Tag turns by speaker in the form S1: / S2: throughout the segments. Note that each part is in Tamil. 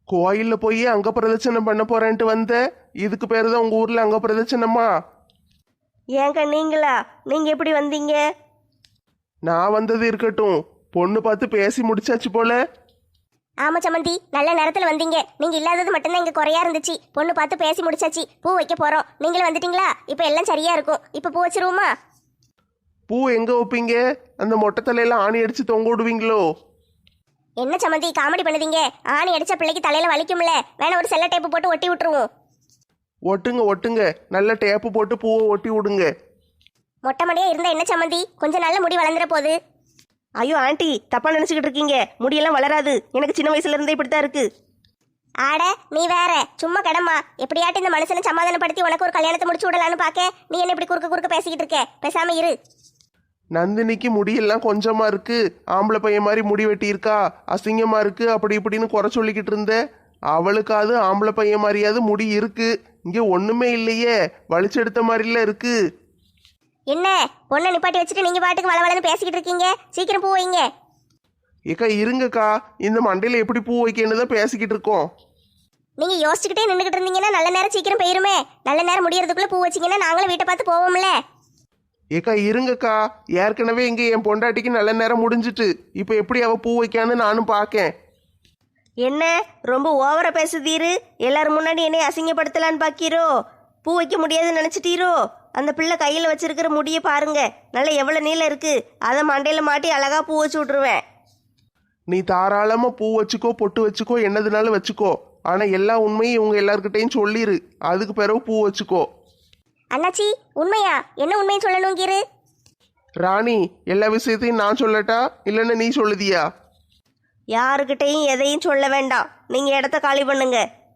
S1: கோயில்ல போய் அங்க பிரதட்சணம் பண்ண போறேன்ட்டு வந்த. இதுக்கு பேரு தான் உங்க ஊர்ல அங்க பிரதட்சணமா?
S2: ஏங்க நீங்களா? நீங்க எப்படி வந்தீங்க?
S1: நான் வந்தது இருக்கட்டும், பொண்ணு பார்த்து பேசி முடிச்சாச்சு போல.
S2: ஆமா சம்மந்தி, நல்ல நேரத்துல வந்தீங்க. நீங்க இல்லாதது மட்டும்தான் இங்க குறையா இருந்துச்சு. பொண்ணு பார்த்து பேசி முடிச்சாச்சு, பூ வைக்க போறோம். நீங்களும் வந்துட்டீங்களா? இப்ப எல்லாம் சரியா இருக்கும். இப்ப பூ வச்சிருவோமா?
S1: பூ எங்க வைப்பீங்க? அந்த மொட்டை தலையில ஆணி அடிச்சு தொங்க விடுவீங்களோ?
S2: என்ன சம்மந்தி காமெடி பண்ணுதீங்க? ஆணி அடிச்ச பிள்ளைக்கு தலையில வலிக்கும்ல, வேணா ஒரு செல்ல டேப்பு போட்டு ஒட்டி விட்டுருவோம்.
S1: ஒட்டுங்க ஒட்டுங்க, நல்ல டேப்பு போட்டு பூவை ஒட்டி விடுங்க.
S2: மொட்டை மடியா இருந்தா என்ன சம்மந்தி, கொஞ்சம் நல்ல முடி வளர்ந்துட போகுது.
S3: ஐயோ ஆண்டி, தப்பா நினைச்சுக்கிட்டு இருக்கீங்க. முடியெல்லாம் வளராது. எனக்கு சின்ன வயசுல இருந்தே இப்படித்தான் இருக்கு.
S2: ஆட நீ வேற சும்மா கிடமா. எப்படியாட்டு இந்த மனுஷனை சமாதானப்படுத்தி உனக்கு ஒரு கல்யாணத்தை முடிச்சு விடலான்னு பாக்க, நீ என்ன இப்படி குறுக்க குறுக்க பேசிக்கிட்டு இருக்க? பேசாம இரு.
S1: நந்தினிக்கு முடியெல்லாம் கொஞ்சமா இருக்கு, ஆம்பளை பையன் மாதிரி முடி வெட்டி இருக்கா, அசிங்கமா இருக்கு, அப்படி இப்படின்னு குறை சொல்லிக்கிட்டு இருந்த. அவளுக்காவது ஆம்பளை பையன் மாதிரியாவது முடி இருக்கு. இங்க ஒண்ணுமே இல்லையே, வலிச்செடுத்த மாதிரில இருக்கு.
S2: என்ன பொண்ணை நிப்பாட்டி வச்சுட்டு நீங்க பாட்டுக்கு வளவளன்னு பேசிக்கிட்டு இருக்கீங்க? சீக்கிரம் பூ வைங்க.
S1: ஏக்கா இருங்கக்கா, இந்த மண்டையில எப்படி பூ வைக்கன்னு தான் பேசிக்கிட்டு இருக்கோம்.
S2: நீங்க யோசிச்சுக்கிட்டே நின்றுகிட்டு இருந்தீங்கன்னா நல்ல நேரம் சீக்கிரம் போயிருமே. நல்ல நேரம் முடியறதுக்குள்ள பூ வச்சிங்கன்னா நாங்களும் வீட்டை பார்த்து போவோம்ல.
S1: ஏக்கா இருங்கக்கா, ஏற்கனவே இங்க என் பொண்டாட்டிக்கு நல்ல நேரம் முடிஞ்சிட்டு, இப்ப எப்படி அவ பூ வைக்கான்னு நானும் பார்க்கேன்.
S3: என்ன ரொம்ப ஓவரா பேசுதீரு? எல்லாரும் முன்னாடி என்னை அசிங்கப்படுத்தலான்னு பாக்கீரோ? பூ வைக்க முடியாதுன்னு நினைச்சிட்டீரோ? அந்த பிள்ளை கையில வச்சிருக்கிற முடியை பாருங்க, நல்லா எவ்வளவு நீளம் இருக்கு. அதை மண்டையில மாட்டி அழகா பூ வச்சு விட்டுருவேன்.
S1: நீ தாராளமா பூ வச்சுக்கோ, பொட்டு வச்சுக்கோ, என்னதுனாலும் வச்சுக்கோ. ஆனா எல்லா உண்மையும் இவங்க எல்லார்கிட்டையும் சொல்லிரு, அதுக்கு பிறகு பூ வச்சுக்கோ.
S2: அண்ணாச்சி உண்மையா? என்ன உண்மையை சொல்லணுங்கிரு?
S1: ராணி, எல்லா விஷயத்தையும் நான் சொல்லட்டா இல்லைன்னா நீ சொல்லுதியா?
S3: யாருக்கிட்டையும் எதையும் சொல்ல வேண்டாம். நீங்க இடத்த காலி பண்ணுங்க.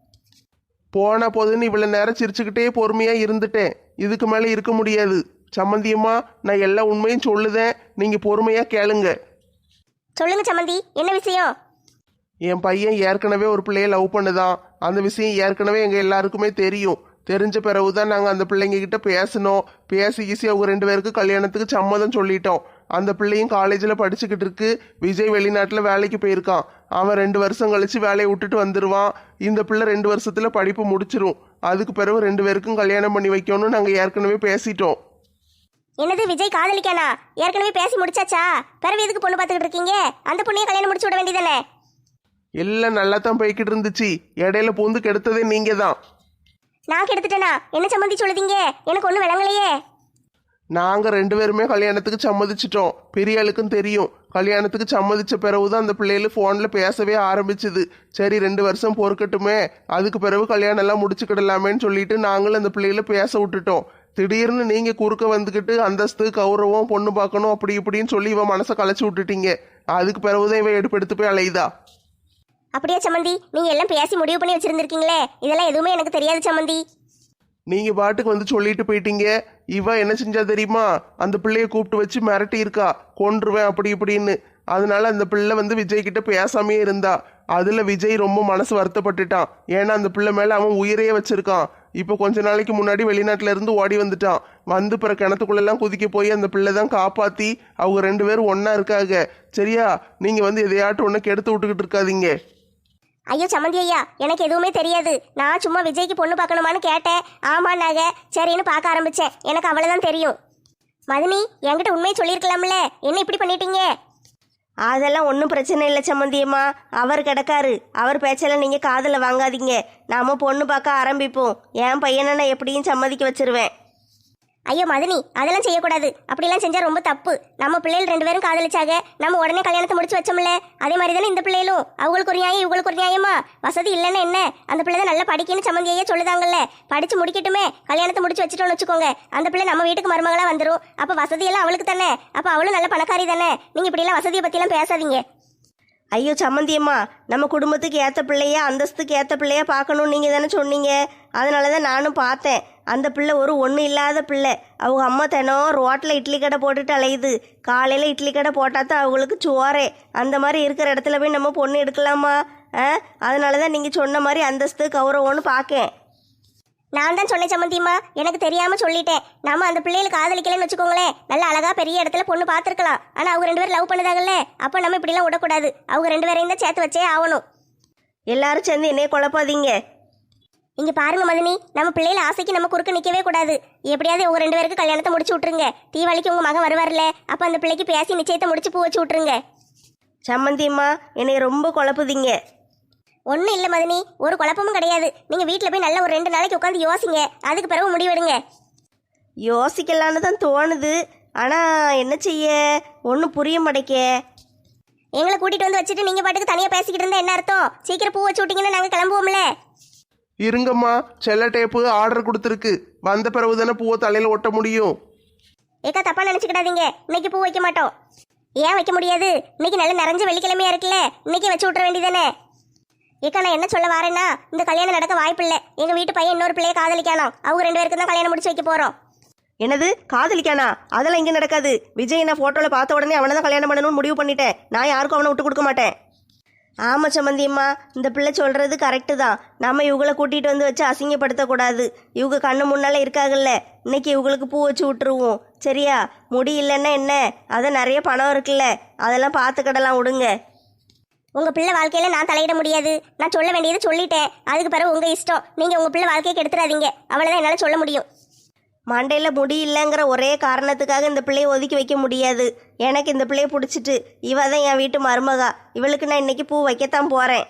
S1: போன போதுன்னு இவ்வளவு நேரம் சிரிச்சுக்கிட்டே பொறுமையா இருந்துட்டேன். இதுக்கு மேல இருக்க முடியாது. சம்மந்தியம்மா, நான் எல்லா உண்மையும் சொல்லுதேன், நீங்க பொறுமையா கேளுங்க.
S2: சொல்லுங்க சம்மந்தி, என்ன விஷயம்?
S1: என் பையன் ஏற்கனவே ஒரு பிள்ளைய லவ் பண்ணுதான். அந்த விஷயம் ஏற்கனவே எங்க எல்லாருக்குமே தெரியும். தெரிஞ்ச பிறகுதான் நாங்கள் அந்த பிள்ளைங்க கிட்ட பேசணும். பேசி அவங்க 2 பேருக்கு கல்யாணத்துக்கு சம்மதம் சொல்லிட்டோம். அந்த பிள்ளையும் காலேஜில் படிச்சுக்கிட்டு இருக்கு. விஜய் வெளிநாட்டில் வேலைக்கு போயிருக்கான். அவன் 2 வருஷம் கழிச்சு வேலையை விட்டுட்டு வந்துடுவான். இந்த பிள்ளை 2 வருஷத்துல படிப்பு முடிச்சிரும். அதுக்கு பிறகு 2 பேருக்கும் கல்யாணம் பண்ணி வைக்கணும்னு நாங்கள் ஏற்கனவே பேசிட்டோம்.
S2: என்னது விஜய் காதலிக்கானா? ஏற்கனவே பேசி முடிச்சாச்சா? பிறகு எதுக்கு பொண்ணு பார்த்துக்கிட்டு இருக்கீங்க? அந்த பொண்ணையும் கல்யாணம் முடிச்சு விட வேண்டியதானே?
S1: எல்லாம் நல்லா தான் போய்கிட்டு இருந்துச்சு. இடையில பூந்து கெடுத்ததே நீங்க தான்.
S2: நான் கெடுத்துட்டேனா? என்ன சம்மந்தி சொல்லுதீங்க? எனக்கு ஒன்றும் விளங்கலையே.
S1: நாங்க 2 பேருமே கல்யாணத்துக்கு சம்மதிச்சிட்டோம். பெரிய ஆளுக்கும் தெரியும். கல்யாணத்துக்கு சம்மதிச்ச பிறகுதான் அந்த பிள்ளைகள் ஃபோன்ல பேசவே ஆரம்பிச்சுது. சரி 2 வருஷம் பொறுக்கட்டுமே, அதுக்கு பிறகு கல்யாணம் எல்லாம் முடிச்சுக்கிடலாமேன்னு சொல்லிட்டு நாங்களும் அந்த பிள்ளைகளை பேச விட்டுட்டோம். திடீர்னு நீங்க குறுக்க வந்துக்கிட்டு அந்தஸ்து கௌரவம் பொண்ணு பார்க்கணும் அப்படி இப்படின்னு சொல்லி இவன் மனசை கலைச்சு விட்டுட்டீங்க. அதுக்கு பிறகுதான் இவன் எடுத்து போய் அலையுதா.
S2: அப்படியே சம்மந்தி, நீங்க எல்லாம் பேசி முடிவு பண்ணி வச்சிருந்திருக்கீங்களே. இதெல்லாம் எதுவுமே எனக்கு தெரியாது சம்மந்தி.
S1: நீங்க பாட்டுக்கு வந்து சொல்லிட்டு போயிட்டீங்க. இவ என்ன செஞ்சா தெரியுமா? அந்த பிள்ளைய கூப்பிட்டு வச்சு மிரட்டி இருக்கா, கொன்றுவேன் அப்படி இப்படின்னு. அதனால அந்த பிள்ளை வந்து விஜய் கிட்ட பேசாமே இருந்தா. அதுல விஜய் ரொம்ப மனசு வருத்தப்பட்டுட்டான். ஏன்னா அந்த பிள்ளை மேல அவன் உயிரையே வச்சிருக்கான். இப்போ கொஞ்ச நாளைக்கு முன்னாடி வெளிநாட்டுல இருந்து ஓடி வந்துட்டான். வந்து பிற கிணத்துக்குள்ளெல்லாம் குதிக்க போய் அந்த பிள்ளை தான் காப்பாத்தி அவங்க 2 பேரும் ஒன்னா இருக்காங்க. சரியா? நீங்க வந்து எதையாட்டும் ஒன்று கெடுத்து விட்டுக்கிட்டு இருக்காதீங்க.
S2: ஐயோ சம்மந்தி ஐயா, எனக்கு எதுவுமே தெரியாது. நான் சும்மா விஜய்க்கு பொண்ணு பார்க்கணுமான்னு கேட்டேன். ஆமாண்ணாங்க, சரின்னு பார்க்க ஆரம்பிச்சேன். எனக்கு அவ்வளவுதான் தெரியும். மதினி, என்கிட்ட உண்மையை சொல்லியிருக்கலாம்ல, என்ன இப்படி பண்ணிட்டீங்க?
S3: அதெல்லாம் ஒன்றும் பிரச்சனை இல்லை சம்மந்தியம்மா. அவர் கிடக்காரு. அவர் பேச்செல்லாம் நீங்கள் காதில் வாங்காதீங்க. நாம பொண்ணு பார்க்க ஆரம்பிப்போம். என் பையனை நான் எப்படியும் சம்மதிக்க வச்சிருவேன்.
S2: ஐயோ மதினி, அதெல்லாம் செய்யக்கூடாது. அப்படிலாம் செஞ்சா ரொம்ப தப்பு. நம்ம பிள்ளைகள் 2 பேரும் காதலிச்சாக, நம்ம உடனே கல்யாணத்தை முடிச்சு வச்சோம்ல. அதே மாதிரி தானே இந்த பிள்ளைகளும். அவங்களுக்கு ஒரு நியாயம், இவங்களுக்கு ஒரு நியாயமா? வசதி இல்லைன்னு என்ன, அந்த பிள்ளை தான் நல்லா படிக்கணும்னு சம்மந்தியே சொல்லுதாங்கல்ல. படிச்சு முடிக்கட்டுமே, கல்யாணத்தை முடிச்சு வச்சுட்டோம்னு வச்சுக்கோங்க. அந்த பிள்ளை நம்ம வீட்டுக்கு மருமகளா வந்துடும். அப்ப வசதியெல்லாம் அவளுக்கு தானே. அப்ப அவளும் நல்ல பணக்காரி தானே. நீங்க இப்படிலாம் வசதியை பத்திலாம் பேசாதீங்க.
S3: ஐயோ சம்மந்தியம்மா, நம்ம குடும்பத்துக்கு ஏற்ற பிள்ளையா, அந்தஸ்துக்கு ஏற்ற பிள்ளையா பார்க்கணும்னு நீங்கள் தானே சொன்னீங்க. அதனால தான் நானும் பார்த்தேன். அந்த பிள்ளை ஒரு ஒன்றும் இல்லாத பிள்ளை. அவங்க அம்மா தினம் ரோட்டில் இட்லி கடை போட்டுட்டு அலையுது. காலையில் இட்லி கடை போட்டால் தான் அவங்களுக்கு சோறே. அந்த மாதிரி இருக்கிற இடத்துல போய் நம்ம பொண்ணு எடுக்கலாமா? அதனால தான் நீங்கள் சொன்ன மாதிரி அந்தஸ்து கௌரவம்னு பார்க்கேன்.
S2: நான் தான் சொன்னேன் சம்மந்தியம்மா, எனக்கு தெரியாம சொல்லிட்டேன். நாம அந்த பிள்ளைகளுக்கு காதலிக்கலன்னு வச்சுக்கோங்களேன், நல்ல அழகா பெரிய இடத்துல பொண்ணு பார்த்துருக்கலாம். ஆனா அவங்க 2 பேரும் லவ் பண்ணதாங்கல்ல, அப்ப நம்ம இப்படிலாம் விடக்கூடாது. அவங்க 2 பேரையும் தான் சேர்த்து வச்சே ஆகணும்.
S3: எல்லாரும் சேர்ந்து என்னைய குழப்பாதீங்க.
S2: இங்க பாருங்க மதினி, நம்ம பிள்ளைல ஆசைக்கு நம்ம குறுக்க நிக்கவே கூடாது. எப்படியாவது உங்க 2 பேருக்கு கல்யாணத்தை முடிச்சு விட்டுருங்க. தீபாவளிக்கு உங்க மகன் வருவார்ல, அப்ப அந்த பிள்ளைக்கு பேசி நிச்சயத்தை முடிச்சு பூ வச்சு விட்டுருங்க.
S3: சம்மந்தியம்மா என்னைய ரொம்ப குழப்புதீங்க.
S2: ஒன்றும் இல்லை மதினி, ஒரு குழப்பமும் கிடையாது. நீங்கள் வீட்டில் போய் நல்ல ஒரு 2 நாளைக்கு உட்காந்து யோசிங்க. அதுக்கு பிறகு முடிவெடுங்க.
S3: யோசிக்கலான்னு தான் தோணுது, ஆனால் என்ன செய்ய ஒன்றும் புரிய மாட்டேக்க.
S2: எங்களை கூட்டிகிட்டு வந்து வச்சுட்டு நீங்கள் பாட்டுக்கு தனியாக பேசிக்கிட்டு இருந்தால் என்ன அர்த்தம்? சீக்கிரம் பூ வச்சு விட்டீங்கன்னா நாங்கள் கிளம்புவோம்ல.
S1: இருங்கம்மா, செல்ல டேப்பு ஆர்டர் கொடுத்துருக்கு. வந்த பிறகு தானே பூவை தலையில் ஒட்ட முடியும்.
S2: ஏக்கா தப்பாக நினச்சிக்கிடாதீங்க, இன்னைக்கு பூ வைக்க மாட்டோம். ஏன் வைக்க முடியாது? இன்னைக்கு நல்ல நிறைஞ்ச வெள்ளிக்கிழமையா இருக்குல்ல, இன்னைக்கு வச்சு விட்ற வேண்டியதானே. ஏக்கா நான் என்ன சொல்ல வரேன்னா, இந்த கல்யாணம் நடக்க வாய்ப்பில்லை. எங்கள் வீட்டு பையன் இன்னொரு பிள்ளையை காதலிக்கானோ, அவங்க 2 பேருக்கு தான் கல்யாணம் முடிச்சு வைக்க போகிறோம்.
S3: என்னது காதலிக்கானா? அதெல்லாம் இங்கே நடக்காது. விஜய் நான் ஃபோட்டோவில் பார்த்த உடனே அவனை தான் கல்யாணம் பண்ணணும்னு முடிவு பண்ணிட்டேன். நான் யாருக்கும் அவனை விட்டு கொடுக்க மாட்டேன். ஆமாம் சம்மந்தியம்மா, இந்த பிள்ளை சொல்கிறது கரெக்டு தான். நம்ம இவங்களை கூட்டிகிட்டு வந்து வச்சு அசிங்கப்படுத்தக்கூடாது. இவங்க கண்ணு முன்னால் இருக்காங்கல்ல, இன்னைக்கு இவங்களுக்கு பூ வச்சு விட்டுருவோம். சரியா? முடி இல்லைன்னா என்ன, அதான் நிறைய பணம் இருக்குல்ல, அதெல்லாம் பார்த்துக்கிடலாம், விடுங்க.
S2: உங்கள் பிள்ளை வாழ்க்கையில் நான் தலையிட முடியாது. நான் சொல்ல வேண்டியதை சொல்லிட்டேன். அதுக்கு பிறகு உங்கள் இஷ்டம். நீங்கள் உங்கள் பிள்ளை வாழ்க்கையை கெடுத்துறாதீங்க. அவ்வளோதான் என்னால் சொல்ல முடியும்.
S3: மண்டையில் முடி இல்லைங்கிற ஒரே காரணத்துக்காக இந்த பிள்ளையை ஒதுக்கி வைக்க முடியாது. எனக்கு இந்த பிள்ளையை பிடிச்சிட்டு, இவ தான் என் வீட்டு மருமகா. இவளுக்கு நான் இன்னைக்கு பூ வைக்கத்தான் போகிறேன்.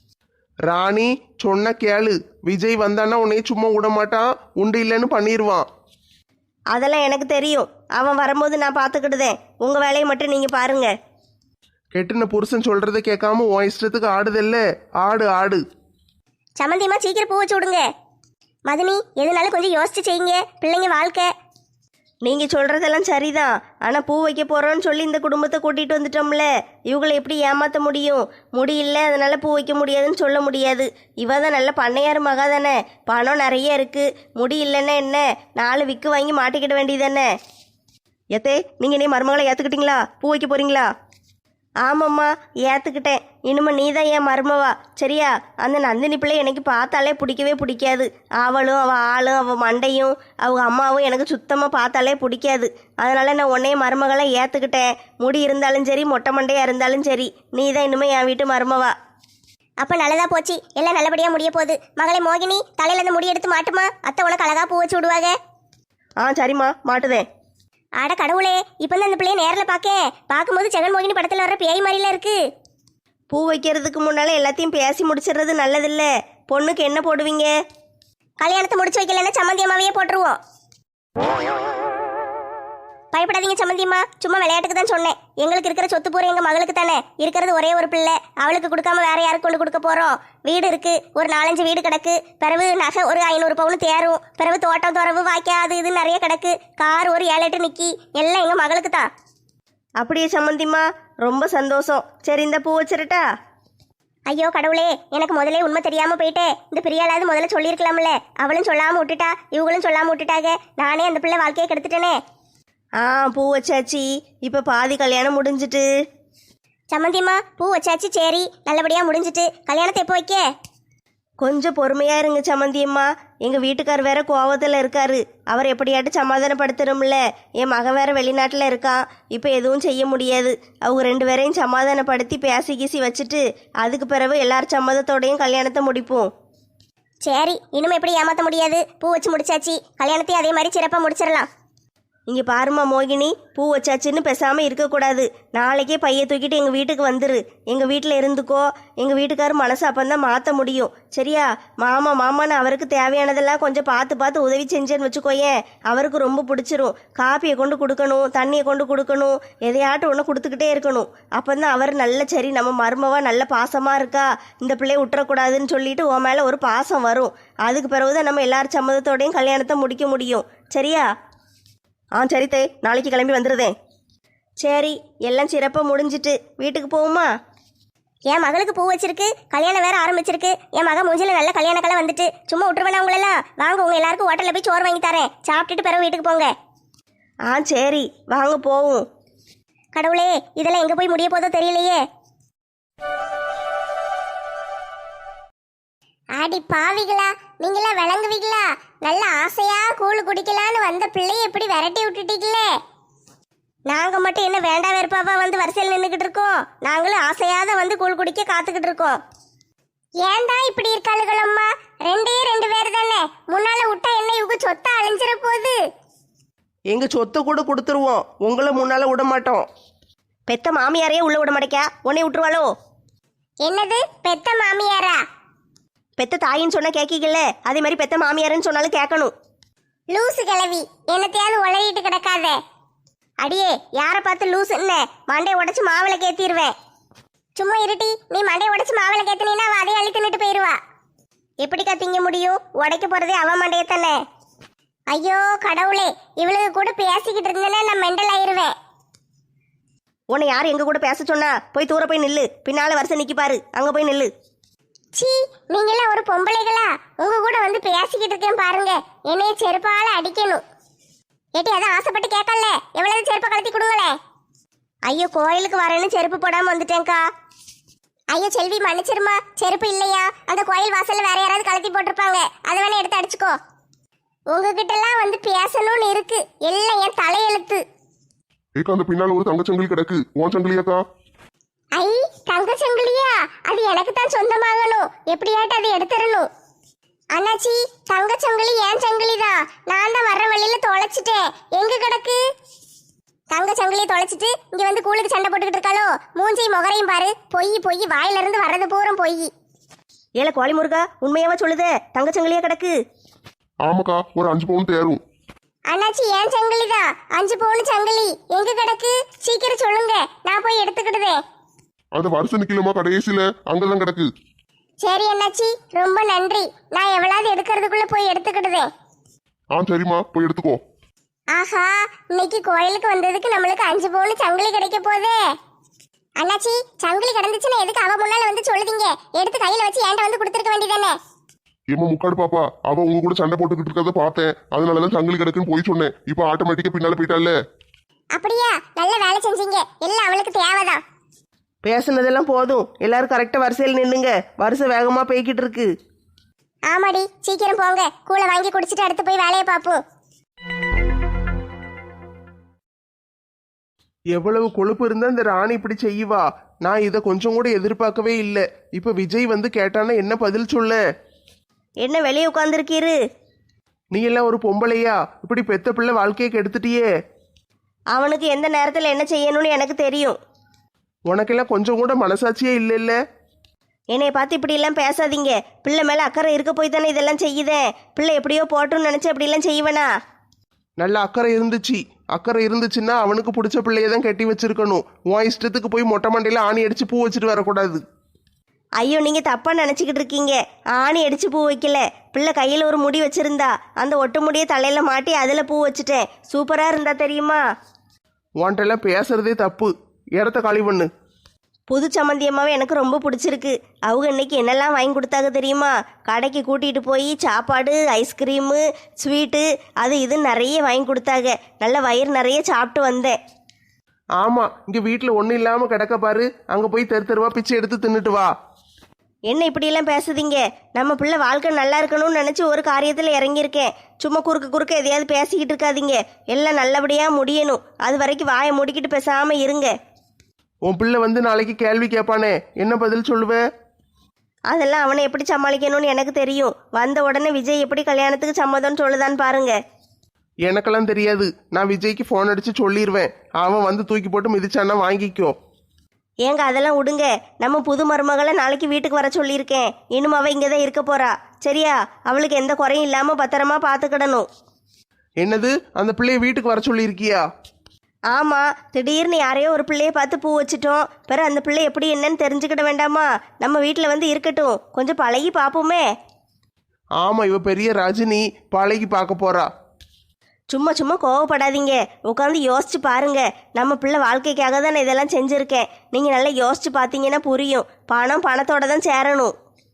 S1: ராணி சொன்ன கேளு. விஜய் வந்தான்னா உன்னைய சும்மா விட மாட்டான், உண்டு இல்லைன்னு பண்ணிடுவான்.
S3: அதெல்லாம் எனக்கு தெரியும். அவன் வரும்போது நான் பார்த்துக்கிடுதேன். உங்கள் வேலையை மட்டும் நீங்கள் பாருங்க.
S1: கெட்டுன புருஷன் சொல்றதை கேட்காம உன் இஷ்டத்துக்கு ஆடுதல்ல, ஆடு ஆடு.
S2: சம்மந்தியம்மா சீக்கிரம் பூ வச்சு விடுங்க. மதினி எதுனாலும் கொஞ்சம் யோசிச்சு செய்யுங்க, பிள்ளைங்க வாழ்க்கை.
S3: நீங்கள் சொல்கிறதெல்லாம் சரிதான். ஆனால் பூ வைக்க போகிறோன்னு சொல்லி இந்த குடும்பத்தை கூட்டிகிட்டு வந்துட்டோம்ல, இவங்களை எப்படி ஏமாற்ற முடியும்? முடியல, அதனால் பூ வைக்க முடியாதுன்னு சொல்ல முடியாது. இவ தான் நல்ல பண்ணையார் மகா தானே, பணம் நிறைய இருக்குது. முடி இல்லைன்னா என்ன, 4 விக்கு வாங்கி மாட்டிக்கிட வேண்டியதானே. எத்தே, நீங்கள் நீ மருமகளை ஏற்றுக்கிட்டீங்களா? பூ வைக்க போகிறீங்களா? ஆமாம்மா, ஏற்றுக்கிட்டேன். இனிமே நீ தான் என் மருமவா. சரியா? அந்த நந்தினி பிள்ளை எனக்கு பார்த்தாலே பிடிக்கவே பிடிக்காது. அவளும் அவள் ஆளும் அவள் மண்டையும் அவங்க அம்மாவும் எனக்கு சுத்தமாக பார்த்தாலே பிடிக்காது. அதனால் நான் உன்னைய மருமகளை ஏற்றுக்கிட்டேன். முடி இருந்தாலும் சரி, மொட்டை மண்டையாக இருந்தாலும் சரி, நீ தான் இனிமேல் என் வீட்டு மருமவா.
S2: அப்போ நல்லதா போச்சு, எல்லாம் நல்லபடியாக முடிய போகுது. மகளை மோகினி, தலையில இருந்து முடி எடுத்து மாட்டுமா, அத்தை உனக்கு அழகா பூ வச்சு விடுவாங்க.
S3: சரிம்மா, மாட்டுதேன்.
S2: அட கடவுளே, இப்போ தான் அந்த பிள்ளைய நேரில் பார்க்கும்போது ஜெகன்மோகினி படத்தில் வர்ற பேய் மாதிரிலாம் இருக்கு.
S3: பூ வைக்கிறதுக்கு முன்னால் எல்லாத்தையும் பேசி முடிச்சிடுறது நல்லதில்ல. பொண்ணுக்கு என்ன போடுவீங்க?
S2: கல்யாணத்தை முடிச்சு வைக்கலன்னா சம்மந்தியம்மாவையே போட்டுருவோம். பயப்படாதீங்க சம்மந்தியம்மா, சும்மா விளையாட்டுக்கு தான் சொன்னேன். எங்களுக்கு இருக்கிற சொத்து பூரா எங்கள் மகளுக்கு தானே. இருக்கிறது ஒரே ஒரு பிள்ளை, அவளுக்கு கொடுக்காம வேற யாருக்கு கொண்டு கொடுக்க போகிறோம்? வீடு இருக்கு, ஒரு 4-5 வீடு கிடக்கு. பிறகு நகை ஒரு 500 பவுன் தேரும். பிறகு தோட்டம் துறவு வாய்க்கா அது இது நிறைய கிடக்கு. கார் ஒரு 7-8 நிக்கி. எல்லாம் எங்கள் மகளுக்கு தான்.
S3: அப்படியே சம்மந்திம்மா, ரொம்ப சந்தோஷம். சரி, இந்த பூ வச்சிருட்டா?
S2: ஐயோ கடவுளே, எனக்கு முதலே உண்மை தெரியாமல் போயிட்டே. இந்த பிரியாளாவது முதல்ல சொல்லியிருக்கலாம்ல. அவளும் சொல்லாமல் விட்டுட்டா, இவங்களும் சொல்லாமல் விட்டுட்டாங்க. நானே அந்த பிள்ளை வாழ்க்கையை கெடுத்துட்டேனே.
S3: பூ வச்சாச்சு. இப்போ பாதி கல்யாணம் முடிஞ்சிட்டு.
S2: சம்மந்தியம்மா பூ வச்சாச்சு, சரி, நல்லபடியாக முடிஞ்சிட்டு. கல்யாணத்தை எப்போ வைக்க?
S3: கொஞ்சம் பொறுமையாக இருங்க சம்மந்தியம்மா. எங்கள் வீட்டுக்கார் வேற கோவத்தில் இருக்காரு. அவர் எப்படியாட்டு சமாதானப்படுத்தணும்ல. என் மகன் வேற வெளிநாட்டில் இருக்கான். இப்போ எதுவும் செய்ய முடியாது. அவங்க 2 பேரையும் சமாதானப்படுத்தி பேசி கீசி வச்சுட்டு அதுக்கு பிறகு எல்லார் சம்மதத்தோடையும் கல்யாணத்தை முடிப்போம்.
S2: சரி, இனிமே எப்படி ஏமாற்ற முடியாது. பூ வச்சு முடிச்சாச்சு, கல்யாணத்தையும் அதே மாதிரி சிறப்பாக முடிச்சிடலாம்.
S3: இங்கே பாருமா மோகினி, பூ வச்சாச்சுன்னு பேசாமல் இருக்கக்கூடாது. நாளைக்கே பையை தூக்கிட்டு எங்கள் வீட்டுக்கு வந்துரு. எங்கள் வீட்டில் இருந்துக்கோ. எங்கள் வீட்டுக்காரர் மனசு அப்பந்தான் மாற்ற முடியும். சரியா? மாமான்னு அவருக்கு தேவையானதெல்லாம் கொஞ்சம் பார்த்து உதவி செஞ்சேன்னு வச்சுக்கோயேன், அவருக்கு ரொம்ப பிடிச்சிரும். காப்பியை கொண்டு கொடுக்கணும், தண்ணியை கொண்டு கொடுக்கணும், எதையாட்டும் ஒன்று கொடுத்துக்கிட்டே இருக்கணும். அப்போதான் அவர் நல்ல சரி நம்ம மருமவா நல்ல பாசமாக இருக்கா, இந்த பிள்ளையை விட்டுறக்கூடாதுன்னு சொல்லிட்டு உன் மேலே ஒரு பாசம் வரும். அதுக்கு பிறகுதான் நம்ம எல்லார் சம்மதத்தோடையும் கல்யாணத்தை முடிக்க முடியும். சரியா? சரி தே, நாளைக்கு கிளம்பி வந்துடுதேன். சரி, எல்லாம் சிறப்பாக முடிஞ்சிட்டு வீட்டுக்கு போகுமா?
S2: என் மகளுக்கு பூ வச்சிருக்கு, கல்யாணம் வேற ஆரம்பிச்சிருக்கு. என் மகன் மூஞ்சில நல்ல கல்யாண கலை வந்துட்டு சும்மா விட்டுருவேனா உங்களெல்லாம்? வாங்க, உங்க எல்லாருக்கும் ஹோட்டலில் போய் சோறு வாங்கி தரேன். சாப்பிட்டுட்டு பிறகு வீட்டுக்கு போங்க.
S3: சரி, வாங்க போவோம்.
S2: கடவுளே, இதெல்லாம் எங்கே போய் முடிய போதோ தெரியலையே. ஆடி பாவிகளா, நீங்களா விளங்குவீங்களா? நல்ல ஆசையா கூழு குடிக்கலான்னு வந்த பிள்ளைய எப்படி விரட்டி விட்டுட்டீங்களே. நாங்கள் மட்டும் என்ன வேண்டா வெறுப்பாவா வந்து வரிசையில் நின்றுக்கிட்டு இருக்கோம்? நாங்களும் ஆசையாத வந்து கூழ் குடிக்க காத்துக்கிட்டு இருக்கோம். ஏன்டா இப்படி இருக்காளுகளம்மா? ரெண்டே ரெண்டு பேர் தானே, முன்னால விட்டா என்ன இவங்க சொத்தா அழிஞ்சிட போகுது.
S3: எங்க சொத்தை கூட கொடுத்துருவோம், உங்களை முன்னால விட மாட்டோம். பெத்த மாமியாரையே உள்ள விட மாட்டேக்கா, உன்னை விட்டுருவாளோ?
S2: என்னது பெத்த மாமியாரா?
S3: பெத்த தாயின்னு சொன்னா கேட்கல, அதே மாதிரி பெத்த மாமியாருன்னு சொன்னாலும் கேட்கணும்.
S2: லூசு கிளவி, என்னத்தையாவது உளறிட்டு கிடக்காத. அடியே, யாரை பார்த்து லூசு என்ன? மண்டையை உடைச்சு மாவிளை கேத்திடுவேன். சும்மா இருட்டி, நீ மண்டையை உடைச்சு மாவிளை கேத்தினா அவ அதையும் அள்ளி தின்னுட்டு போயிடுவா. எப்படிக்கா திங்க முடியும்? உடைக்க போறதே அவன் மண்டையை தானே. ஐயோ கடவுளே, இவளுக்கு கூட பேசிக்கிட்டு இருந்தேன்னா நான் மெண்டல் ஆயிருவேன்.
S3: உன்னை யார் எங்க கூட பேச சொன்னா? போய் தூர போய் நில்லு, பின்னால வருஷம் நிக்கி பாரு, அங்க போய் நில்லு.
S2: சீ, நீங்களாம் ஒரு பொம்பளைகளா? உங்க கூட வந்து பேசிக்கிட்டு இருக்கேன் பாருங்க, என்னைய செருப்பால அடிக்கணும். ஏட்டி அதான் ஆசைப்பட்டு கேட்கல, எவ்வளவு செருப்பை கழட்டி கொடுங்களே. ஐயோ, கோயிலுக்கு வரேன்னு செருப்பு போடாம வந்துட்டேன்க்கா. ஐயோ செல்வி, மன்னிச்சிருமா, செருப்பு இல்லையா? அந்த கோயில் வாசல்ல வேற யாராவது கழட்டி போட்டிருப்பாங்க, அதை வேணா எடுத்து அடிச்சுக்கோ. உங்ககிட்ட எல்லாம் வந்து பேசணும்னு இருக்கு, எல்லாம் என் தலையெழுத்து.
S4: ஏக்கா அந்த பின்னால ஒரு தங்கச்சங்கிலி கிடக்கு, உன் சங்கிலியாக்கா?
S2: ஐ, தங்க சங்கிலியா? அது எனக்கு தான் சொந்தமாகணும், எப்படியாட்டு அதை எடுத்துடணும். அண்ணாச்சி, தங்க சங்கிலி ஏன் சங்கிலி தான், நான் தான் வர்ற வழியில தொலைச்சிட்டேன். எங்க கிடக்கு? தங்க சங்கிலியை தொலைச்சிட்டு இங்க வந்து கூழுக்கு சண்டை போட்டுக்கிட்டு இருக்காளோ? மூஞ்சையும் முகரையும் பாரு, பொய் பொய், வாயில இருந்து வர்றது பூரம் பொய்.
S3: ஏல கோழி முருகா, உண்மையாவா சொல்லுதே தங்கச்சங்கிலியா கிடக்கு?
S4: ஆமாக்கா, ஒரு 5 பவுன் தேரும்.
S2: அண்ணாச்சி ஏன் சங்கிலி தான், 5 பவுன் சங்கிலி எங்க கிடக்கு? சீக்கிரம் சொல்லுங்க, நான் போய் எடுத்துக்கிடுதேன்.
S4: அந்த வருஷம் நிக்கலமா கடைசியில அங்கதான் கிடக்கு.
S2: சரி அண்ணாச்சி, ரொம்ப நன்றி. நான் எவ்வளவு எடுக்கிறதுக்குள்ள போய் எடுத்துக்கிடுதேன்.
S4: சரிம்மா, போய் எடுத்துக்கோ.
S2: ஆஹா, இன்னைக்கு கோயிலுக்கு வந்ததுக்கு நம்மளுக்கு 5 பவுன் சங்கிலி கிடைக்க போதே. அண்ணாச்சி, சங்கிலி கிடந்துச்சுன்னா எதுக்கு அவ முன்னால வந்து சொல்லுதீங்க? எடுத்து கையில வச்சு ஏன்ட்ட வந்து கொடுத்துருக்க வேண்டியதானே.
S4: ஏமா முக்காடு பாப்பா, அவ உங்க கூட சண்டை போட்டுக்கிட்டு இருக்கிறத பார்த்தேன், அதனாலதான் சங்கிலி கிடக்குன்னு போய் சொன்னேன். இப்ப ஆட்டோமேட்டிக்கா பின்னால போயிட்டால.
S2: அப்படியா? நல்ல வேலை செஞ்சீங்க, எல்லாம் அவளுக்கு தேவைதான்.
S3: பேசுனதெல்லாம் போதும், எல்லாரும் கரெக்டா வரிசையில் நின்னுங்க, வருஷம் வேகமா போய்கிட்டு இருக்கு.
S2: ஆமாடி, சீக்கிரம் போங்க, கூளை வாங்கி குடிச்சிட்டு அடுத்து போய் வேலையை பார்ப்போம்.
S1: எவ்வளவு கொழுப்பு இருந்தா இந்த ராணி இப்படி செய்வா? நான் இதை கொஞ்சம் கூட எதிர்பார்க்கவே இல்லை. இப்ப விஜய் வந்து கேட்டானா என்ன பதில் சொல்ல?
S3: என்ன வெளியே உட்காந்துருக்கீரு?
S1: நீ எல்லாம் ஒரு பொம்பளையா? இப்படி பெத்த பிள்ளை வாழ்க்கையை கெடுத்துட்டியே.
S3: அவனுக்கு எந்த நேரத்தில் என்ன செய்யணும்னு எனக்கு தெரியும்.
S1: உனக்கெல்லாம் கொஞ்சம் கூட மனசாட்சியே இல்லை இல்ல?
S3: என்னைய பார்த்து இப்படி எல்லாம் பேசாதீங்க. பிள்ளை மேல அக்கறை இருக்க போய் தானே இதெல்லாம் செய்யுதேன். பிள்ளை எப்படியோ போட்டுன்னு நினைச்சு அப்படி எல்லாம் செய்வேனா?
S1: நல்ல அக்கறை இருந்துச்சு. அக்கறை இருந்துச்சுன்னா அவனுக்கு பிடிச்ச பிள்ளைய தான் கட்டி வச்சிருக்கணும். உன் இஷ்டத்துக்கு போய் மொட்டை மண்டையில ஆணி அடிச்சு பூ வச்சுட்டு வரக்கூடாது.
S3: ஐயோ, நீங்க தப்பா நினைச்சுக்கிட்டு இருக்கீங்க. ஆணி அடிச்சு பூ வைக்கல. பிள்ளை கையில ஒரு முடி வச்சிருந்தா, அந்த ஒட்டு முடியை தலையில மாட்டி அதுல பூ வச்சுட்டேன். சூப்பரா இருந்தா தெரியுமா?
S1: உன்ட்டெல்லாம் பேசுறதே தப்பு. இடத்த காலி பண்ணு.
S3: புது சம்மந்தியம்மாவே எனக்கு ரொம்ப பிடிச்சிருக்கு. அவங்க இன்னைக்கு என்னெல்லாம் வாங்கி கொடுத்தாங்க தெரியுமா? கடைக்கு கூட்டிகிட்டு போய் சாப்பாடு, ஐஸ்கிரீமு, ஸ்வீட்டு, அது இது நிறைய வாங்கி கொடுத்தாங்க. நல்ல வயிறு நிறைய சாப்பிட்டு வந்தேன்.
S1: ஆமா, இங்க வீட்டுல ஒண்ணும் இல்லாம கிடக்க பாரு, அங்க போய் தெரு தெருவா பிச்சை எடுத்து தின்னுட்டு வா.
S3: என்ன இப்படியெல்லாம் பேசுதீங்க? நம்ம பிள்ளை வாழ்க்கை நல்லா இருக்கணும்னு நினச்சி ஒரு காரியத்தில் இறங்கியிருக்கேன். சும்மா குறுக்க எதையாவது பேசிக்கிட்டு இருக்காதீங்க. எல்லாம் நல்லபடியாக முடியணும். அது வரைக்கும் வாயை மூடிக்கிட்டு பேசாமல் இருங்க.
S1: உன் பிள்ளை வந்து நாளைக்கு கேள்வி கேட்பானே, என்ன பதில் சொல்லுவ?
S3: அதெல்லாம் அவனை எப்படி சமாளிக்கணும்னு எனக்கு தெரியும். வந்த உடனே விஜய் எப்படி கல்யாணத்துக்கு சம்மதம்னு சொல்லுதான்னு பாருங்க.
S1: எனக்கெல்லாம் தெரியாது. நான் விஜய்க்கு ஃபோன் அடிச்சு சொல்லிடுவேன். அவன் வந்து தூக்கி போட்டு மிதிச்சானா வாங்கிக்கோ.
S3: ஏங்க அதெல்லாம் விடுங்க. நம்ம புது மருமகளை நாளைக்கு வீட்டுக்கு வர சொல்லியிருக்கேன். இன்னும் அவள் இங்கே தான் இருக்க போறா. சரியா? அவளுக்கு எந்த குறையும் இல்லாமல் பத்திரமா பார்த்துக்கிடணும்.
S1: என்னது, அந்த பிள்ளைய வீட்டுக்கு வர சொல்லியிருக்கியா?
S3: ஆமாம், திடீர்னு யாரையோ ஒரு பிள்ளைய பார்த்து பூ வச்சுட்டோம். பிறகு அந்த பிள்ளை எப்படி என்னன்னு தெரிஞ்சுக்கிட வேண்டாமா? நம்ம வீட்டில் வந்து இருக்கட்டும், கொஞ்சம் பழகி பார்ப்போமே.
S1: ஆமா, இவ பெரிய ரஜினி, பழகி பார்க்க போறா.
S3: சும்மா கோவப்படாதீங்க. உட்காந்து யோசிச்சு பாருங்க. நம்ம பிள்ளை வாழ்க்கைக்காக தான் நான் இதெல்லாம் செஞ்சுருக்கேன். நீங்கள் நல்லா யோசிச்சு பார்த்தீங்கன்னா புரியும். பணத்தோட தான் சேரணும்.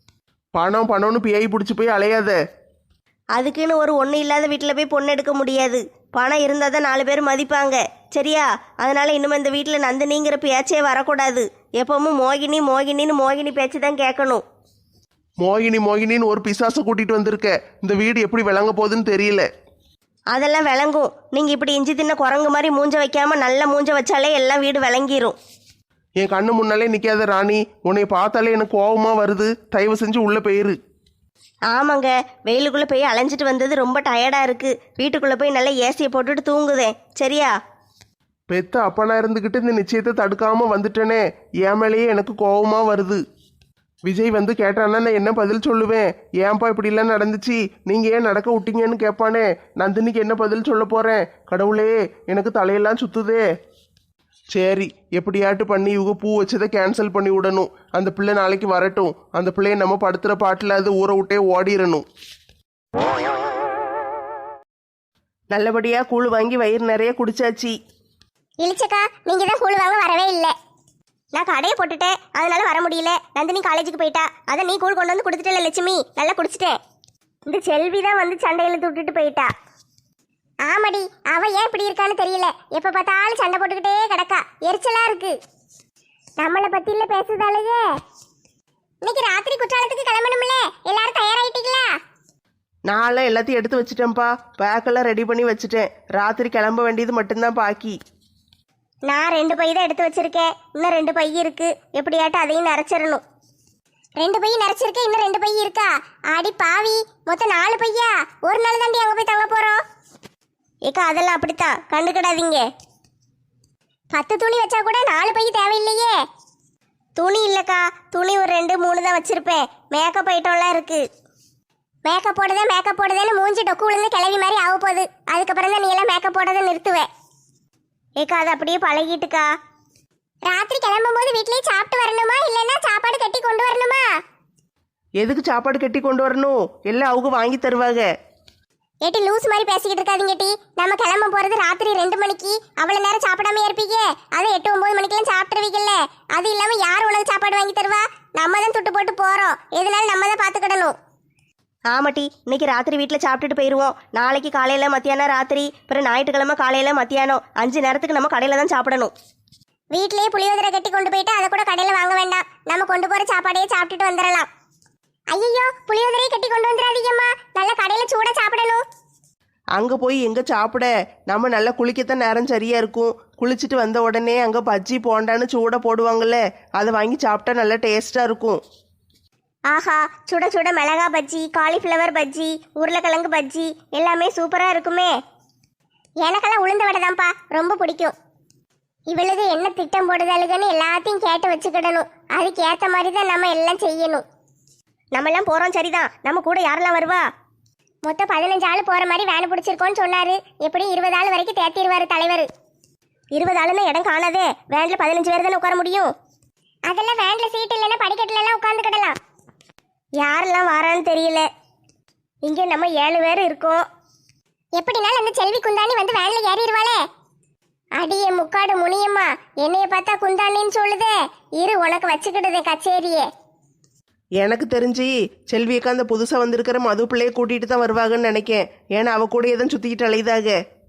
S1: பணம்னு பிஐ பிடிச்சி போய் அலையாத.
S3: அதுக்குன்னு ஒரு ஒன்றும் இல்லாத வீட்டில் போய் பொண்ணு எடுக்க முடியாது. பணம் இருந்தால் தான் 4 பேர் மதிப்பாங்க. சரியா? அதனால் இன்னும் இந்த வீட்டில் நந்தினிங்கிற பேச்சே வரக்கூடாது. எப்பவும் மோகினின்னு பேச்சு தான் கேட்கணும்.
S1: மோகினின்னு ஒரு பிசாசை கூட்டிட்டு வந்திருக்க. இந்த வீடு எப்படி விளங்க போகுதுன்னு தெரியல.
S3: அதெல்லாம் விளங்கும். நீங்கள் இப்படி இஞ்சி தின்ன குரங்கு மாதிரி மூஞ்ச வைக்காமல் நல்ல மூஞ்ச வச்சாலே எல்லாம் வீடு விளங்கிரும்.
S1: என் கண்ணு முன்னாலே நிற்காத ராணி, உன்னை பார்த்தாலே எனக்கு கோபமாக வருது. தயவு செஞ்சு உள்ளே போயிரு.
S3: ஆமாங்க, வெயிலுக்குள்ளே போய் அலைஞ்சிட்டு வந்தது ரொம்ப டயர்டாக இருக்குது. வீட்டுக்குள்ளே போய் நல்லா ஏசியை போட்டுட்டு தூங்குதேன், சரியா?
S1: பெத்த அப்பனா இருந்துக்கிட்டு இந்த நிச்சயத்தை தடுக்காமல் வந்துட்டேனே, என் மேலேயே எனக்கு கோபமாக வருது. விஜய் வந்து கேட்டான்னா நான் என்ன பதில் சொல்லுவேன்? ஏன்பா இப்படிலாம் நடந்துச்சு, நீங்கள் ஏன் நடக்க விட்டீங்கன்னு கேட்பானே. நந்தினிக்கு என்ன பதில் சொல்ல போகிறேன்? கடவுளே, எனக்கு தலையெல்லாம் சுற்றுதே. சரி, எப்படியாட்டு பண்ணி இவங்க பூ வச்சதை கேன்சல் பண்ணி விடணும். அந்த பிள்ளை நாளைக்கு வரட்டும். அந்த பிள்ளைய நம்ம படுத்துகிற பாட்டில் அது ஊரை விட்டே ஓடிடணும்.
S3: நல்லபடியாக கூழ் வாங்கி வயிறு நிறைய குடிச்சாச்சு.
S2: இழிச்சக்கா, நீங்க தான் கூழ் வாங்க வரவே இல்லை. நான் கடையை போட்டுட்டேன், அதனால வர முடியல. நந்தினி காலேஜுக்கு போயிட்டா, அதை நீ கூழ் கொண்டு வந்து கொடுத்துட்டல லட்சுமி, நல்லா குடிச்சிட்டேன். இந்த செல்வி தான் வந்து சண்டையில் விட்டுட்டு போயிட்டா. ஆமாடி, அவ ஏன் இப்படி இருக்கான்னு தெரியல. எப்ப பார்த்தாலும் சண்டை போட்டுக்கிட்டே கிடக்கா, எரிச்சலா இருக்கு. நம்மளை பத்தி இல்ல பேசுதாலேயே. இன்னைக்கு ராத்திரி குற்றாலத்துக்கு கிளம்பணும்ல, எல்லாரும் தயாராயிட்டீங்களா?
S3: நான்லாம் எல்லாத்தையும் எடுத்து வச்சுட்டேன்ப்பா, பேக்கெல்லாம் ரெடி பண்ணி வச்சுட்டேன். ராத்திரி கிளம்ப வேண்டியது மட்டும்தான் பாக்கி.
S2: நான் 2 பை தான் எடுத்து வச்சிருக்கேன், இன்னும் 2 பை இருக்கு. எப்படியாட்டும் அதையும் நிறைச்சிடணும். 2 பை நிறைச்சிருக்கேன், இன்னும் 2 பை இருக்கா? ஆடி பாவி, மொத்தம் 4 பையா? ஒரு நாள் தாண்டி அங்கே போய் தங்க போறோம். ஏக்கா, அதெல்லாம் அப்படித்தான், கண்டுக்கிடாதீங்க. 10 துணி வச்சா கூட 4 பை தேவையில்லையே. துணி இல்லைக்கா, துணி ஒரு 2 3 தான் வச்சிருப்பேன். மேக்கப் ஐட்டம்லாம் இருக்கு. மேக்கப் போடுதேன்னு மூஞ்சி டொக்கு விழுந்து கிளவி மாதிரி ஆக போகுது. அதுக்கப்புறம் தான் நீ எல்லாம் மேக்கப் போடுறதை நிறுத்துவேன். ஏக்கா, அது அப்படியே பழகிட்டுக்கா. ராத்திரி கிளம்பும் போது வீட்லயே சாப்பிட்டு வரணுமா, இல்லைன்னா சாப்பாடு கட்டி கொண்டு வரணுமா?
S3: எதுக்கு சாப்பாடு கட்டி கொண்டு வரணும்? எல்லாம் அவங்க வாங்கி தருவாங்க.
S2: ஏட்டி, லூஸ் மாதிரி பேசிக்கிட்டு இருக்காதீங்க டி. நம்ம கிளம்ப போறது ராத்திரி 2 மணிக்கு. அவ்வளவு நேரம் சாப்பிடாம இருப்பீங்க. அதை 8 9 மணிக்கெல்லாம் சாப்பிட்டுருவீங்கல்ல. அது இல்லாம யார் உனக்கு சாப்பாடு வாங்கி தருவா? நம்ம தான் துட்டு போட்டு போறோம், எதனால நம்ம தான் பாத்துக்கிடணும்.
S3: ஆமாட்டி, இன்னைக்கு ராத்திரி வீட்டில் சாப்பிட்டுட்டு போயிடுவோம். நாளைக்கு காலையில் மத்தியானம் ராத்திரி, அப்புறம் ஞாயிற்றுக்கிழமை காலையில் மத்தியானம் 5 நேரத்துக்கு நம்ம கடையில் தான் சாப்பிடணும்.
S2: வீட்லயே புளியோதரை கட்டி கொண்டு போயிட்டு அதை கூட கடையில வாங்க வேண்டாம். நம்ம கொண்டு போற சாப்பாடையே சாப்பிட்டுட்டு வந்துடலாம். ஐயோ, புளியோதரையை கட்டி கொண்டு வந்துடாதீங்கம்மா, நல்ல கடையில சூடா சாப்பிடணும்.
S3: அங்கே போய் எங்கே சாப்பிட? நம்ம நல்லா குளிக்கத்தான் நேரம் சரியாக இருக்கும். குளிச்சுட்டு வந்த உடனே அங்கே பஜ்ஜி போண்டான்னு சூட போடுவாங்கல்ல, அதை வாங்கி சாப்பிட்டா நல்லா டேஸ்ட்டாக இருக்கும்.
S2: ஆஹா, சுட சுட மிளகா பஜ்ஜி, காலிஃப்ளவர் பஜ்ஜி, உருளைக்கிழங்கு பஜ்ஜி எல்லாமே சூப்பரா இருக்குமே. எனக்கெல்லாம் உளுந்த வடை தான்ப்பா ரொம்ப பிடிக்கும். இவளுக்கு என்ன திட்டம் போடுதலுக்குன்னு எல்லாத்தையும் கேட்டு வச்சுக்கிடணும். அதுக்கு ஏற்ற மாதிரி தான் நம்ம எல்லாம் செய்யணும்.
S3: நம்ம எல்லாம் போகிறோம் சரிதான், நம்ம கூட யாரெல்லாம் வருவா?
S2: மொத்தம் 15 ஆள் போற மாதிரி வேன் பிடிச்சிருக்கோன்னு சொன்னாரு. எப்படி 20 ஆள் வரைக்கும் தேத்திடுவாரு தலைவர்.
S3: 20 ஆளுன்னு இடம் காணாதே, வேன்ல 15 பேர் தானே உட்கார முடியும்.
S2: அதெல்லாம் வேன்ல சீட் இல்லைன்னா படிக்கட்டுல எல்லாம் உட்காந்துக்கிடலாம்.
S3: யாரெல்லாம் வரான்னு தெரியல. இங்கே நம்ம 7 பேர் இருக்கோம்.
S2: எப்படினாலும் அந்த செல்வி குந்தாணி வந்து வேன்ல ஏறிடுவாளே. அடியே முக்காடு முனியம்மா, என்னைய பார்த்தா குந்தாணின்னு சொல்லுதே. இரு, உனக்கு வச்சுக்கிடுதே கச்சேரியே.
S3: எனக்கு தெரிஞ்சு செல்வியக்கா அந்த புதுசாக வந்திருக்கிற மது பிள்ளையை கூட்டிகிட்டு தான் வருவாங்கன்னு நினைக்கேன். ஏன்னா அவ கூட எதுவும் சுற்றிக்கிட்டு அலையுதாக.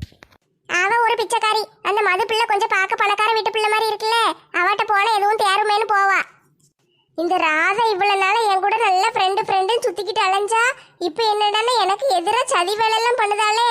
S2: அவ ஒரு பிச்சைக்காரி. அந்த மது பிள்ளை கொஞ்சம் பார்க்க பணக்கார வீட்டு பிள்ளை மாதிரி இருக்குல்ல, அவட்ட போனா எதுவும் தேருமேன்னு போவா. இந்த ராதா இவ்வளவு நாள என் கூட நல்ல ஃப்ரெண்டுன்னு சுத்திக்கிட்டு அலைஞ்சா, இப்ப என்னடான்னா எனக்கு எதிராக சதி வேலையெல்லாம் பண்ணுதாலே.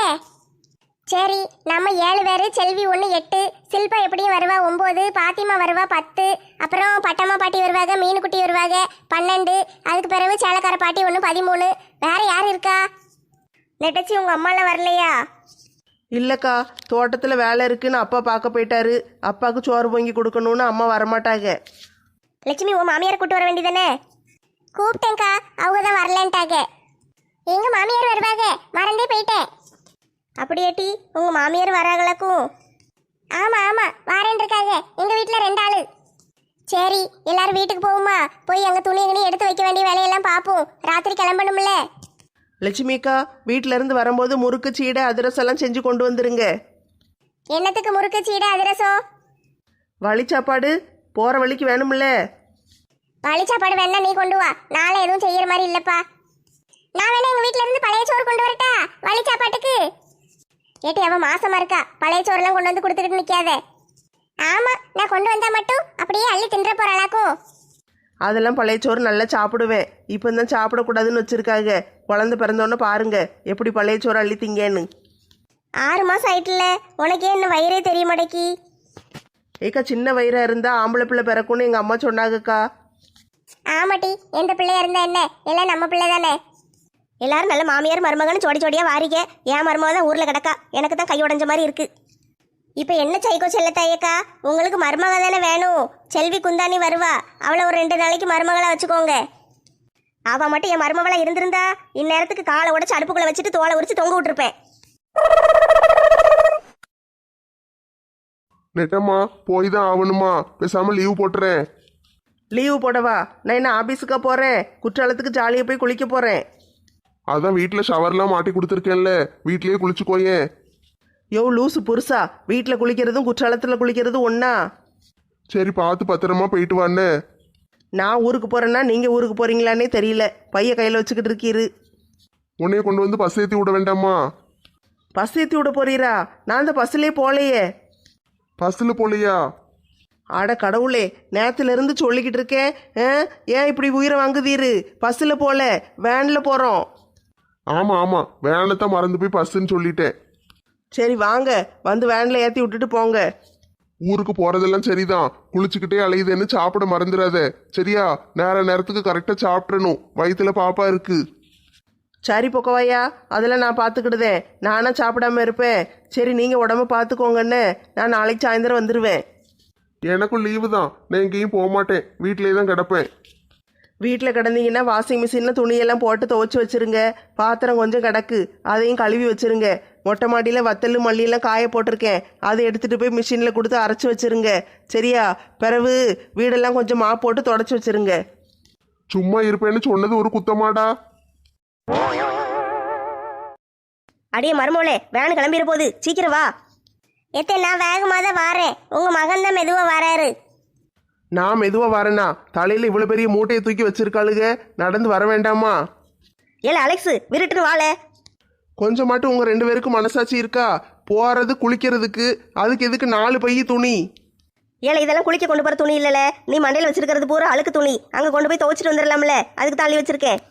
S2: சரி, நம்ம 7 பேரு, செல்வி 1 8, சில்பா எப்படியும் வருவா 9, பாத்திமா வருவா 10, அப்புறம் பட்டம்மா பாட்டி வருவாங்க, மீனுக்குட்டி வருவாங்க 12, அதுக்கு பிறகு சேலக்கார பாட்டி 1 13. வேற யார் இருக்கா?
S3: நெட்டச்சி, உங்கள் அம்மாலாம் வரலையா? இல்லைக்கா, தோட்டத்தில் வேலை இருக்குன்னு அப்பா பார்க்க போயிட்டாரு. அப்பாவுக்கு சோறு பொங்கி கொடுக்கணும்னு அம்மா வரமாட்டாங்க.
S2: லட்சுமி, உன் மாமியாரை கூட்டு வர வேண்டியதானே? கூப்பிட்டேங்க்கா, அவங்க தான் வரலன்ட்டாங்க. எங்க மாமியார் வருவாங்க, மறந்தே போயிட்டேன்.
S3: அப்படியாட்டி, உங்கள் மாமியார் வராங்களாக்கும்?
S2: ஆமா ஆமா, வாரேன் இருக்காங்க. எங்க வீட்டுல 2 ஆளு. சரி, எல்லாரும் வீட்டுக்கு போகுமா? போய் அங்க துணி எடுத்து வைக்க வேண்டிய வேலையெல்லாம் பார்ப்போம். ராத்திரி கிளம்பணும்ல.
S3: லட்சுமிக்கா, வீட்டில இருந்து வரும்போது முறுக்கு, சீடை, அதிரசம் எல்லாம் செஞ்சு கொண்டு வந்துருங்க.
S2: என்னத்துக்கு முறுக்கு, சீடை, அதிரசம்?
S3: வழி சாப்பாடு போற வழிக்கு வேணும்ல.
S2: வழி சாப்பாடு வேணா நீ கொண்டு வா, நாளை எதுவும் செய்யற மாதிரி இல்லப்பா. நான் வேணா எங்க வீட்டுல இருந்து பழைய சோறு கொண்டு வரட்டா வழி சாப்பாட்டுக்கு? ஏட்டி, அவ மாசமா இருக்கா, பழைய சோறுலாம் கொண்டு வந்து கொடுத்துக்கிட்டு நிக்காத. ஆமா, நான் கொண்டு வந்தா மட்டும் அப்படியே அள்ளி தின்ற போறாளாக்கும்.
S3: அதெல்லாம் பழைய சோறு நல்லா சாப்பிடுவேன். இப்போ தான் சாப்பிடக்கூடாதுன்னு வச்சிருக்காங்க. குழந்தை பிறந்தோன்னு பாருங்க எப்படி பழைய சோறு அள்ளி திங்கன்னு.
S2: 6 மாசம் ஆயிட்டுல, உனக்கே இன்னும் வயிறே தெரிய மாட்டேக்கி.
S3: ஏக்கா சின்ன வயிறா இருந்தா ஆம்பளை பிள்ளை பிறக்கும்னு எங்க அம்மா சொன்னாங்கக்கா.
S2: ஆமாட்டி, எந்த பிள்ளையா இருந்தா என்ன, எல்லாம் நம்ம பிள்ளை தானே. எல்லாரும் நல்ல மாமியார் மருமகன்னு ஜோடி ஜோடியா வாரிக. என் மருமக தான் ஊர்ல கிடக்கா, எனக்கு தான் கை உடைஞ்ச மாதிரி இருக்கு. இப்போ என்ன சைக்கோ செல்லத்தாயக்கா, உங்களுக்கு மருமக தானே வேணும். செல்வி குந்தாணி வருவா, அவளை ஒரு 2 நாளைக்கு மருமகளா வச்சுக்கோங்க. அவ மட்டும் என் மருமகளா இருந்திருந்தா இந்நேரத்துக்கு காலை உடைச்சு அடுப்புக்குள்ள வச்சுட்டு தோலை உரிச்சு தொங்க விட்டுருப்பேன்.
S4: நெட்டம்மா போய் தான் ஆகணுமா? பேசாம லீவ் போட்டுறேன்.
S3: லீவு போடவா? நான் என்ன ஆபீஸுக்கா போறேன்? குற்றாலத்துக்கு ஜாலியாக போய் குளிக்க போறேன்.
S4: அதான் வீட்டில் ஷவர்லாம் மாட்டி கொடுத்துருக்கேன்ல, வீட்லயே குளிச்சுக்கோயேன்.
S3: யோ லூசு புருஷா, வீட்டில் குளிக்கிறதும் குற்றாலத்தில் குளிக்கிறதும் ஒண்ணா?
S4: சரி பார்த்து பத்திரமா போயிட்டு வான்னு.
S3: நான் ஊருக்கு போறேன்னா நீங்க ஊருக்கு போறீங்களான்னே தெரியல. பைய கையில் வச்சுக்கிட்டு இருக்கீரு.
S4: உன்னைய கொண்டு வந்து பஸ் ஏற்றி விட வேண்டாமா?
S3: பஸ் ஏற்றி விட போறீரா? நான் அந்த பஸ்லேயே போலையே.
S4: பஸ்ஸில் போலையா?
S3: அட கடவுளே, நேத்துல இருந்து சொல்லிக்கிட்டு இருக்கேன். ஏன் இப்படி உயிரை வாங்குதீரு? பஸ்ஸில் போல, வேனில் போகிறோம்.
S4: ஆமாம் ஆமாம், வேனை தான் மறந்து போய் பஸ்ஸுன்னு சொல்லிட்டேன்.
S3: சரி வாங்க, வந்து வேனில் ஏற்றி விட்டுட்டு போங்க.
S4: ஊருக்கு போறதெல்லாம் சரிதான், குளிச்சுக்கிட்டே அலையுதுன்னு சாப்பிட மறந்துடாத சரியா? நேரத்துக்கு கரெக்டாக சாப்பிட்றணும், வயிற்றுல பாப்பா இருக்கு.
S3: சரி பொக்கவாயா, அதெல்லாம் நான் பார்த்துக்கிடுதேன். நானா சாப்பிடாம இருப்பேன்? சரி நீங்கள் உடம்ப பார்த்துக்கோங்கன்னு நான் நாளைக்கு சாயந்தரம் வந்துடுவேன்.
S4: எனக்கும் லீவு தான், நான் எங்கேயும் போக மாட்டேன், வீட்டிலே தான் கிடப்பேன்.
S3: வீட்டில் கிடந்தீங்கன்னா வாஷிங் மிஷினில் துணியெல்லாம் போட்டு துவைச்சி வச்சிருங்க. பாத்திரம் கொஞ்சம் கிடக்கு, அதையும் கழுவி வச்சிருங்க. மொட்டை மாடியில் வத்தல் மல்லியெல்லாம் காய போட்டிருக்கேன், அதை எடுத்துகிட்டு போய் மிஷினில் கொடுத்து அரைச்சி வச்சிருங்க சரியா? பிறகு வீடெல்லாம் கொஞ்சம் மாப் போட்டு தொடச்சி வச்சிருங்க.
S4: சும்மா இருப்பேன்னு சொன்னது ஒரு குத்தமாடா?
S3: அடியே மருமோளே, வேன் கிளம்பிட போகுது, சீக்கிரம் வா.
S2: எத்தே நான் வேகமாக தான் வாரேன், உங்க மகன் தான் மெதுவா வராரு.
S1: நான் மெதுவாக வரேனா? தலையில் இவ்வளோ பெரிய மூட்டையை தூக்கி வச்சிருக்காளுங்க, நடந்து வர வேண்டாமா?
S3: ஏல அலெக்ஸ், விருட்டுன்னு வாழ.
S1: கொஞ்சம் மட்டும் உங்கள் 2 பேருக்கும் மனசாட்சி இருக்கா? போகிறது குளிக்கிறதுக்கு, அதுக்கு எதுக்கு 4 பை துணி?
S3: ஏல இதெல்லாம் குளிக்க கொண்டு போகிற துணி இல்லைல்ல, நீ மண்டையில் வச்சிருக்கிறது பூரா அழுக்கு துணி. அங்கே கொண்டு போய் துவைச்சிட்டு வந்துடலாம்ல, அதுக்கு தள்ளி வச்சிருக்கேன்.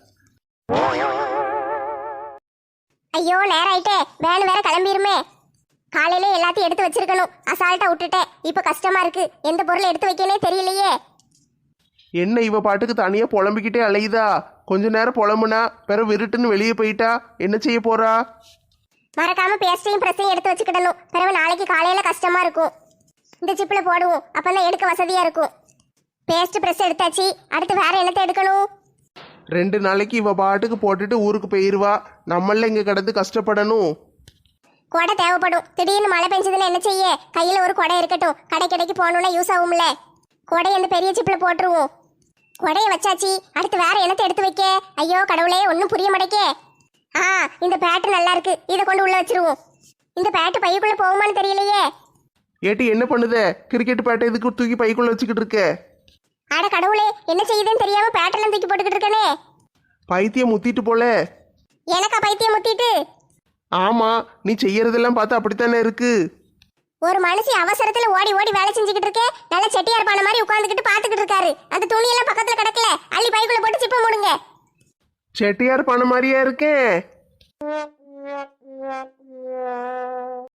S2: ஐயோ நேரம் ஆயிட்டே, வேன் வேற கிளம்பிருமே. காலையில எல்லாத்தையும் எடுத்து வச்சிருக்கணும், அசால்ட்டா விட்டுட்டேன். இப்ப கஷ்டமா இருக்கு, எந்த பொருளை எடுத்து வைக்கனே தெரியலையே.
S1: என்ன இவ பாட்டுக்கு தனியாக புலம்பிக்கிட்டே அலையுதா? கொஞ்ச நேரம் புலம்புனா பிறகு விருட்டுன்னு வெளியே போயிட்டா என்ன செய்ய போறா?
S2: மறக்காம பேஸ்டையும் பிரஸையும் எடுத்து வச்சுக்கிடணும், பிறகு நாளைக்கு காலையில கஷ்டமா இருக்கும். இந்த சிப்பில் போடுவோம், அப்பதான் எடுக்க வசதியா இருக்கும். பேஸ்ட் பிரஸ் எடுத்தாச்சு, அடுத்து வேற என்னத்தை எடுக்கணும்?
S1: 2 நாளைக்கு இவ பாட்டுக்கு போட்டுட்டு ஊருக்கு போயிடுவா, நம்மள இங்கே கிடந்து கஷ்டப்படணும்.
S2: கொடை தேவைப்படும், திடீர்னு மழை பெஞ்சதுன்னு என்ன செய்ய? கையில ஒரு கொடை இருக்கட்டும், கடைக்கு போகணும்னா யூஸ் ஆகும்ல. கொடை அந்த பெரிய சிப்பில் போட்டுருவோம். கொடையை வச்சாச்சு, அடுத்து வேற என்னத்தை எடுத்து வைக்க? ஐயோ கடவுளே, ஒன்றும் புரிய மாட்டேக்கே. இந்த பேட்டு நல்லா இருக்கு, இதை கொண்டு உள்ள வச்சிருவோம். இந்த பேட்டு பையக்குள்ள போகுமான்னு தெரியலையே.
S1: ஏட்டி என்ன பண்ணுத? கிரிக்கெட் பேட்டை இதுக்கு தூக்கி பைக்குள்ள வச்சுக்கிட்டு இருக்க?
S2: அட கடவுளே, என்ன செய்யுதுன்னு தெரியாம பேட்டெல்லாம் தூக்கி போட்டுக்கிட்டு இருக்கனே.
S1: பைத்தியம் முத்திட்டு போல.
S2: எனக்கா பைத்தியம் முத்திட்டு?
S1: ஆமா, நீ செய்யறதெல்லாம் பார்த்தா அப்படித்தானே இருக்கு.
S2: ஒரு மனுஷி அவசரத்துல ஓடி ஓடி வேலை செஞ்சுக்கிட்டு இருக்கேன், நல்ல செட்டியார் பான மாதிரி உட்காந்துக்கிட்டு பாத்துக்கிட்டு இருக்காரு. அந்த துணியெல்லாம் பக்கத்துல கிடக்கல, அள்ளி பைக்குள்ள போட்டு சிப்ப மூடுங்க.
S1: செட்டியார் பண்ண மாதிரியா இருக்கேன்.